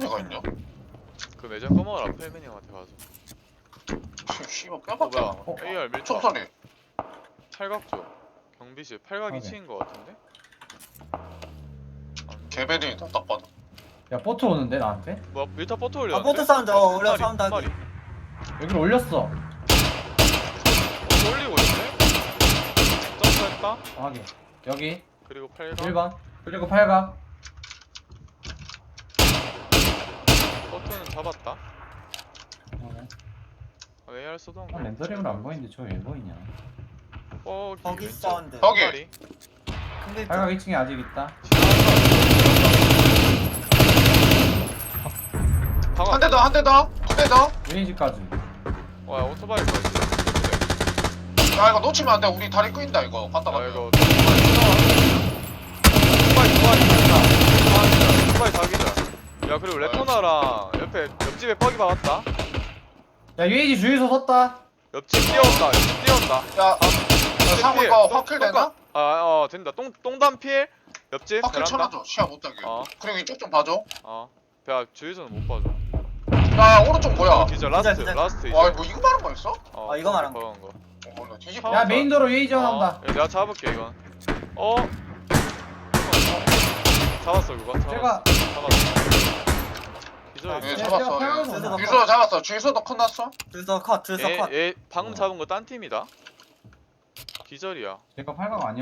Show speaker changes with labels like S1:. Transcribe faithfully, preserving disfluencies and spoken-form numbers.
S1: 매체가 있냐?
S2: 그 매점 꺼먹어라 펠맨 형한테 가서.
S1: 씨발
S2: 어
S1: 뼈밖에 안
S2: 뭐야?
S1: 나와.
S2: 에이알 밀착.
S1: 총소리.
S2: 팔각조. 경비실 팔각
S3: 확인.
S2: 이 층인 거 같은데?
S1: 개베린이다 딱 봐도.
S3: 야 보트 오는데 나한테?
S2: 뭐야 밀타 버터 올려.
S4: 아 보트 사운드 어 올려 사운드
S2: 한
S4: 하기
S2: 마리.
S3: 여기를 올렸어.
S2: 어, 올리고 있네. 점프했다.
S3: 어, 확인. 여기
S2: 그리고 팔각.
S3: 일 번 그리고 팔각.
S2: 버터는 잡았다.
S3: 어,
S2: 아, 에이알 쏘던 거.
S3: 아, 렌더링으로 안 보이는데 저 왜 보이냐?
S2: 어,
S4: 거기
S2: 왼쪽.
S4: 사운드
S1: 거기.
S2: 한 마리.
S4: 근데
S3: 팔각 이 층에 아직 있다.
S2: 박아.
S1: 한 대 더, 한 대 더, 한 대 더.
S3: 웨이지까지.
S2: 와 오토바이 거지.
S1: 야 이거 놓치면 안 돼. 우리 다리 끄인다 이거. 갔다
S2: 아
S1: 갔다.
S2: 이거 오토바이 오토바이 오토바이 오토바이 자기자. 야 그리고 레토나랑 옆에 옆집에 뻑이 박았다.
S3: 야 웨이지 주유소 섰다.
S2: 옆집 뛰어온다. 옆집 뛰어온다.
S1: 야, 야 상우 이거 확킬 되나?
S2: 아어 된다. 똥 똥담 필. 옆집
S1: 확킬
S2: 베란다.
S1: 쳐놔줘. 시야 못 따게.
S2: 어.
S1: 그리고 이쪽 좀 봐줘.
S2: 어. 야 주유소는 못 봐줘.
S1: 야 오른쪽 뭐야?
S2: 기절 라스트
S4: 기절.
S2: 라스트 이제.
S1: 와 이거 이거 말한 거였어?
S2: 어,
S4: 아, 이거 말한
S2: 거. 거.
S1: 어 몰라. 뒤집어.
S3: 야 메인도로 웨이지 하나 온다.
S2: 어, 내가 잡을게 이건. 어. 잡았어 그거. 잡았어.
S3: 제가
S2: 잡았어. 기절.
S1: 예
S3: 야,
S1: 잡았어.
S3: 야, 팔각으로
S4: 주유소도
S3: 온다.
S1: 주유소 잡았어. 주유소도 끝났어?
S4: 줄서 컷 줄서 컷
S2: 얘, 얘 방금 잡은 거 딴 팀이다. 기절이야.
S3: 제가 팔각 아니야.